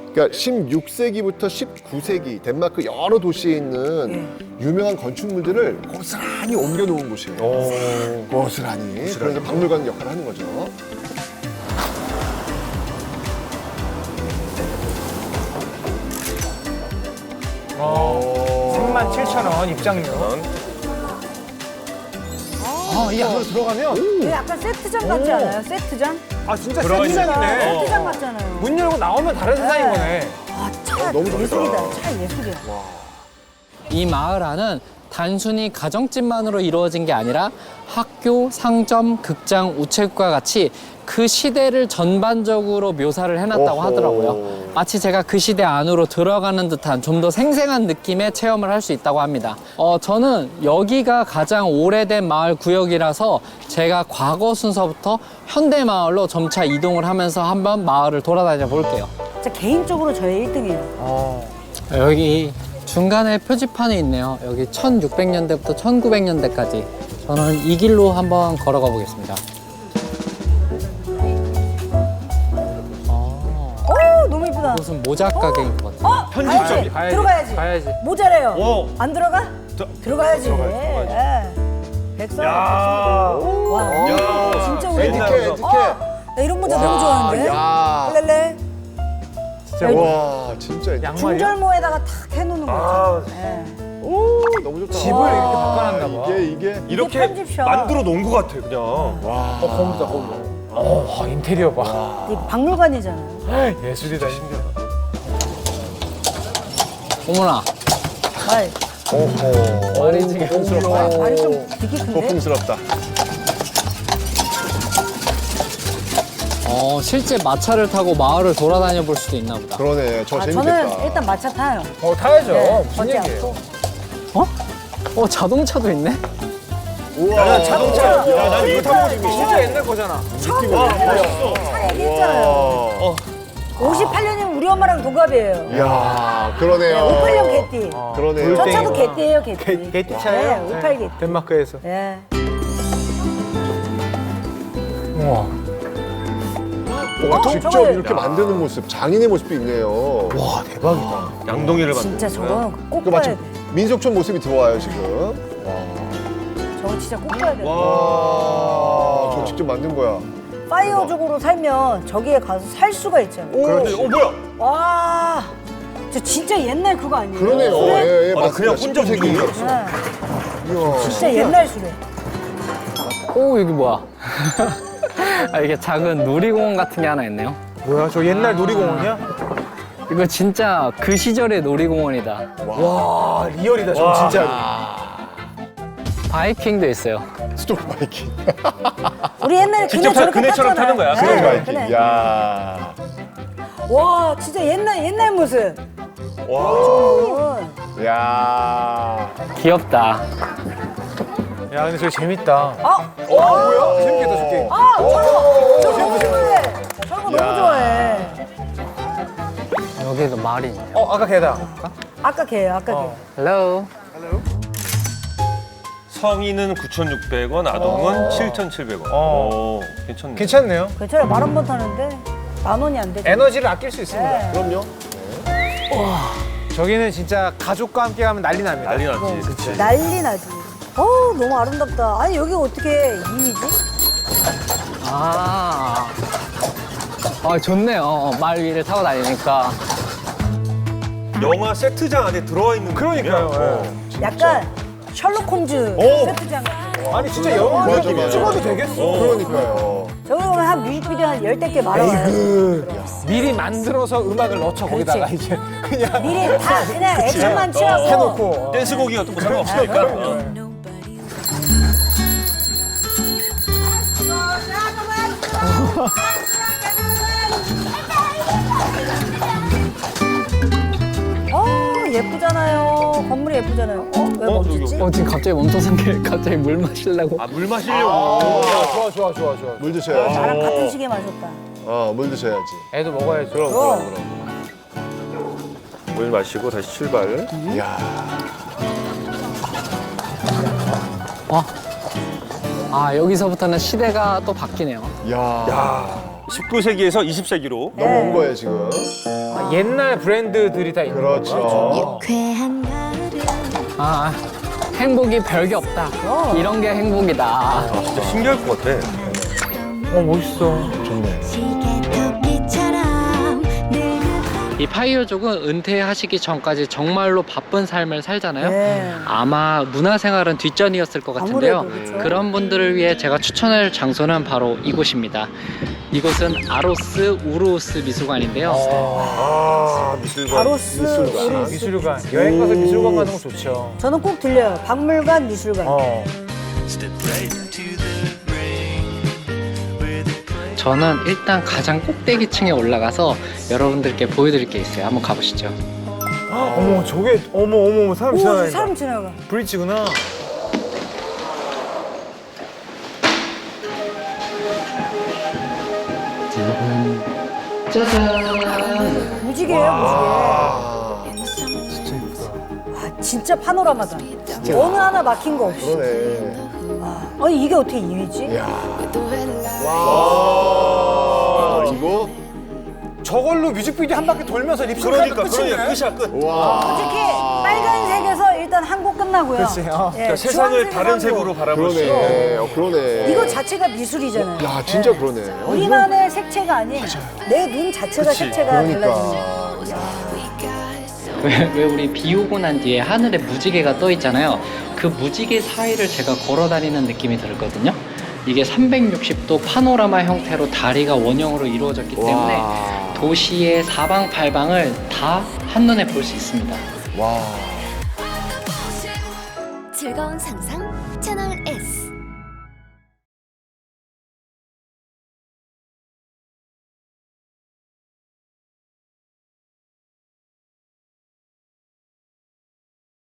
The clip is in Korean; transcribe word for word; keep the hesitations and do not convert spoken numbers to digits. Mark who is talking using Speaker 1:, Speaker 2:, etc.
Speaker 1: 그러니까 십육 세기부터 십구 세기 덴마크 여러 도시에 있는 유명한 건축물들을 고스란히 옮겨놓은 곳이에요.
Speaker 2: 오.
Speaker 1: 고스란히. 그래서 박물관 역할을 하는 거죠.
Speaker 2: 삼만 칠천 원 입장료. 아, 이 안으로 들어가면
Speaker 3: 이게 약간 세트장 같지 않아요? 세트장?
Speaker 2: 아 진짜
Speaker 4: 들어가
Speaker 2: 세트장이네.
Speaker 3: 세트장 같잖아요.
Speaker 2: 문 열고 나오면 다른 세상인 거네.
Speaker 3: 아, 차
Speaker 1: 너무 좋다.
Speaker 3: 예술이다. 차 예술이야.
Speaker 5: 이 마을 안은 단순히 가정집만으로 이루어진 게 아니라 학교, 상점, 극장, 우체국과 같이 그 시대를 전반적으로 묘사를 해놨다고
Speaker 1: 오호.
Speaker 5: 하더라고요. 마치 제가 그 시대 안으로 들어가는 듯한 좀 더 생생한 느낌의 체험을 할 수 있다고 합니다. 어, 저는 여기가 가장 오래된 마을 구역이라서 제가 과거 순서부터 현대 마을로 점차 이동을 하면서 한번 마을을 돌아다녀 볼게요.
Speaker 3: 진짜 개인적으로 저의 일 등이에요.
Speaker 5: 여기 중간에 표지판이 있네요. 여기 천육백 년대부터 천구백 년대까지. 저는 이 길로 한번 걸어가 보겠습니다.
Speaker 3: 오, 너무 이쁘다.
Speaker 5: 무슨 모자 가게인 것 같아요.
Speaker 3: 어?
Speaker 4: 편집점이.
Speaker 3: 가야지. 들어가야지.
Speaker 5: 가야지.
Speaker 3: 모자래요.
Speaker 4: 오.
Speaker 3: 안 들어가? 들어가야지. 예. 백설.
Speaker 4: 야.
Speaker 3: 와,
Speaker 4: 야.
Speaker 3: 진짜 오래
Speaker 4: 옛날
Speaker 1: 에티켓,
Speaker 4: 모자.
Speaker 1: 에티켓.
Speaker 3: 나 이런 모자 너무 좋아하는데.
Speaker 1: 야.
Speaker 3: 렐레.
Speaker 2: 진짜
Speaker 1: 와, 진짜.
Speaker 2: 양말이야?
Speaker 3: 중절모에다가 탁 해놓는 거죠.
Speaker 4: 아.
Speaker 3: 예.
Speaker 1: 오, 너무 좋다.
Speaker 2: 집을 이렇게 바꿔놨나 봐.
Speaker 1: 이게, 이게.
Speaker 4: 이렇게
Speaker 3: 편집샵.
Speaker 4: 만들어 놓은 것 같아 그냥.
Speaker 1: 와.
Speaker 2: 어, 거기다, 거기. 어, 인테리어 봐.
Speaker 3: 이 박물관이잖아요.
Speaker 2: 예술이다, 신기하다.
Speaker 5: 어머나,
Speaker 3: 말.
Speaker 1: 오호.
Speaker 5: 말이 지금
Speaker 3: 말, 말이 좀 되게 큰데?
Speaker 1: 소풍스럽다.
Speaker 5: 어, 실제 마차를 타고 마을을 돌아다녀 볼 수도 있나 보다.
Speaker 1: 그러네. 저
Speaker 3: 아,
Speaker 1: 재밌겠다.
Speaker 3: 저는 일단 마차 타요.
Speaker 2: 어, 타야죠.
Speaker 3: 네,
Speaker 2: 무슨
Speaker 3: 걷지
Speaker 2: 얘기예요?
Speaker 3: 않고.
Speaker 5: 어? 어, 자동차도 있네?
Speaker 1: 우와.
Speaker 4: 야, 자동차. 야, 난 이거 타보고 싶어.
Speaker 2: 진짜 옛날 거잖아.
Speaker 3: 처음
Speaker 4: 와,
Speaker 3: 타요.
Speaker 4: 멋있어.
Speaker 3: 차 얘기했잖아요.
Speaker 1: 와.
Speaker 3: 오십팔 년이면 우리 엄마랑 동갑이에요.
Speaker 1: 이야, 그러네요.
Speaker 3: 오십팔 년 개띠.
Speaker 1: 그러네요.
Speaker 3: 저 차도 개띠예요, 개띠.
Speaker 2: 개, 개띠차예요?
Speaker 3: 네, 오십팔 개띠.
Speaker 2: 덴마크에서.
Speaker 3: 예.
Speaker 2: 우와.
Speaker 1: 와,
Speaker 3: 어,
Speaker 1: 직접
Speaker 3: 저거는-
Speaker 1: 이렇게 만드는 모습, 장인의 모습도 있네요.
Speaker 2: 와, 대박이다.
Speaker 4: 양동이를 만든
Speaker 3: 진짜 저거는 꼭
Speaker 1: 그
Speaker 3: 봐야
Speaker 1: 마치
Speaker 3: 돼.
Speaker 1: 민속촌 모습이 들어와요, 지금.
Speaker 3: 저거 진짜 꼭 봐야 돼.
Speaker 1: 와, 저 직접 만든 거야.
Speaker 3: 파이어족으로 살면 저기에 가서 살 수가 있잖아요.
Speaker 4: 그런데 어 뭐야?
Speaker 3: 와, 저 진짜 옛날 그거 아니에요?
Speaker 1: 그러네요.
Speaker 3: 수레?
Speaker 1: 예, 예,
Speaker 4: 아,
Speaker 1: 맞습니다.
Speaker 4: 그냥 혼자
Speaker 1: 십구 세기.
Speaker 4: 움직이는 줄 알았어.
Speaker 3: 네,
Speaker 1: 이야.
Speaker 3: 진짜 옛날 수레.
Speaker 5: 오, 여기 뭐야? 아, 이게 작은 놀이공원 같은 게 하나 있네요.
Speaker 2: 뭐야, 저 옛날 놀이공원이야?
Speaker 5: 이거 진짜 그 시절의 놀이공원이다.
Speaker 2: 와, 리얼이다, 저 진짜.
Speaker 5: 바이킹도 있어요.
Speaker 1: 스토브 바이킹.
Speaker 3: 우리 옛날에
Speaker 4: 직접
Speaker 3: 그네
Speaker 4: 타-
Speaker 3: 저렇게
Speaker 4: 그네처럼
Speaker 3: 탔잖아요.
Speaker 4: 타는 거야.
Speaker 3: 네,
Speaker 1: 스토브 바이킹.
Speaker 3: 그네.
Speaker 1: 야.
Speaker 3: 와, 진짜 옛날 옛날 모습.
Speaker 4: 와.
Speaker 3: 음.
Speaker 1: 야.
Speaker 5: 귀엽다.
Speaker 2: 야, 근데 저거 재밌다.
Speaker 3: 아,
Speaker 2: 어, 뭐야? 재밌겠다, 저 게임.
Speaker 3: 아, 저거 저거 너무 좋아해. 저거 너무
Speaker 1: 야.
Speaker 3: 좋아해.
Speaker 5: 여기도 말이 있네.
Speaker 2: 어, 아까 걔다.
Speaker 3: 아까 걔예요, 아까
Speaker 2: 어.
Speaker 5: 헬로.
Speaker 4: 성인은 구천육백 원, 아동은 칠천칠백 원.
Speaker 2: 어.
Speaker 4: 오, 괜찮네.
Speaker 2: 괜찮네요.
Speaker 3: 걔. 괜찮아, 만 원 번 타는데 만 원이 안 되죠.
Speaker 2: 에너지를 아낄 수 있습니다.
Speaker 3: 네.
Speaker 1: 그럼요.
Speaker 2: 저기는 진짜 가족과 함께 가면 난리 납니다.
Speaker 4: 난리 났지. 그치.
Speaker 3: 난리 나지. 어, 너무 아름답다. 아니 여기 어떻게 이미지?
Speaker 5: 아. 아, 좋네요. 어, 말 위를 타고 다니니까.
Speaker 4: 영화 세트장 안에 들어와 있는
Speaker 2: 그러니까요.
Speaker 4: 느낌이야.
Speaker 2: 예.
Speaker 3: 약간 셜록 홈즈
Speaker 4: 오.
Speaker 3: 세트장.
Speaker 2: 아니, 진짜 영화를
Speaker 1: 맞아, 맞아.
Speaker 2: 찍어도 되겠어.
Speaker 1: 그러니까요.
Speaker 3: 저기 보면 한 뮤직비디오 한 열댓 개 말아와요.
Speaker 2: 미리 만들어서 음악을 넣죠, 거기다가 이제. 그냥
Speaker 3: 미리 다 그냥 액션만 취하고.
Speaker 2: 해놓고.
Speaker 4: 댄스곡이 같은 거 상관없으니까.
Speaker 3: 어, 예쁘잖아요. 건물이 예쁘잖아요. 어? 왜
Speaker 4: 어,
Speaker 3: 멈췄지?
Speaker 5: 어, 지금 갑자기 멈춰선 게 갑자기 물 마시려고.
Speaker 4: 아, 물 마시려고.
Speaker 2: 아, 좋아, 좋아, 좋아, 좋아.
Speaker 1: 물 드셔야지.
Speaker 3: 나랑 같은 시기에 마셨다.
Speaker 1: 어, 물 드셔야지.
Speaker 2: 애도 먹어야죠.
Speaker 1: 그럼,
Speaker 3: 그럼.
Speaker 1: 그럼, 그럼.
Speaker 4: 물 마시고 다시 출발.
Speaker 1: 이야.
Speaker 5: 아, 여기서부터는 시대가 또 바뀌네요.
Speaker 1: 야.
Speaker 4: 야, 십구 세기에서 이십 세기로
Speaker 1: 넘어온 거예요 지금.
Speaker 2: 아, 옛날 브랜드들이 다 있는
Speaker 1: 그렇죠.
Speaker 2: 거죠.
Speaker 6: 유쾌한 가을은
Speaker 5: 아, 행복이 별게 없다. 이런 게 행복이다.
Speaker 4: 진짜 신기할 것 같아.
Speaker 2: 어, 멋있어.
Speaker 6: 시계토끼처럼 늘
Speaker 5: 이 파이어족은 은퇴하시기 전까지 정말로 바쁜 삶을 살잖아요.
Speaker 3: 네.
Speaker 5: 아마 문화생활은 뒷전이었을 것 같은데요.
Speaker 3: 아무래도 그렇죠.
Speaker 5: 그런 분들을 위해 제가 추천할 장소는 바로 이곳입니다. 이곳은 아로스 우루스 미술관인데요.
Speaker 4: 아, 미술관.
Speaker 3: 아로스
Speaker 1: 미술관.
Speaker 3: 우루스.
Speaker 2: 미술관. 여행 가서 미술관 가는 거 좋죠.
Speaker 3: 저는 꼭 들려요. 박물관, 미술관.
Speaker 2: 어.
Speaker 5: 저는 일단 가장 꼭대기층에 올라가서 여러분들께 보여드릴 게 있어요. 한번 가보시죠.
Speaker 2: 어머, 저게 어머 어머 어머 사람
Speaker 3: 오,
Speaker 2: 지나가니까.
Speaker 3: 사람 지나가.
Speaker 2: 브릿지구나.
Speaker 5: 짜잔!
Speaker 3: 무지개예요, 무지개. 와, 진짜 파노라마다. 어느 하나 막힌 거 없이.
Speaker 1: 그러네.
Speaker 3: 아니, 이게 어떻게 이 위지?
Speaker 1: 와 이거
Speaker 2: 저걸로 뮤직비디오 한 바퀴 돌면서 립싱크
Speaker 4: 그러니까,
Speaker 2: 끝이네.
Speaker 4: 그러니까 끝이야, 끝.
Speaker 1: 와.
Speaker 3: 솔직히 빨간색에서 일단 한 곡 끝나고요.
Speaker 2: 그치, 어.
Speaker 3: 예,
Speaker 4: 그러니까 세상을
Speaker 3: 주황색에서
Speaker 4: 다른
Speaker 3: 한 곡.
Speaker 4: 색으로 바라볼 수 있는.
Speaker 1: 그러네. 어, 그러네.
Speaker 3: 이거 자체가 미술이잖아요.
Speaker 1: 야 진짜 그러네. 어,
Speaker 3: 우리만의 색채가 아닌 내 눈 자체가
Speaker 4: 그치.
Speaker 3: 색채가
Speaker 1: 그러니까.
Speaker 3: 달라지는 거예요.
Speaker 5: 왜, 왜 우리 비 오고 난 뒤에 하늘에 무지개가 떠 있잖아요. 그 무지개 사이를 제가 걸어 다니는 느낌이 들거든요. 이게 삼백육십 도 파노라마 형태로 다리가 원형으로 이루어졌기 때문에
Speaker 1: 와.
Speaker 5: 도시의 사방팔방을 다 한눈에 볼 수 있습니다.
Speaker 1: 와.
Speaker 6: 즐거운 상상 채널 일.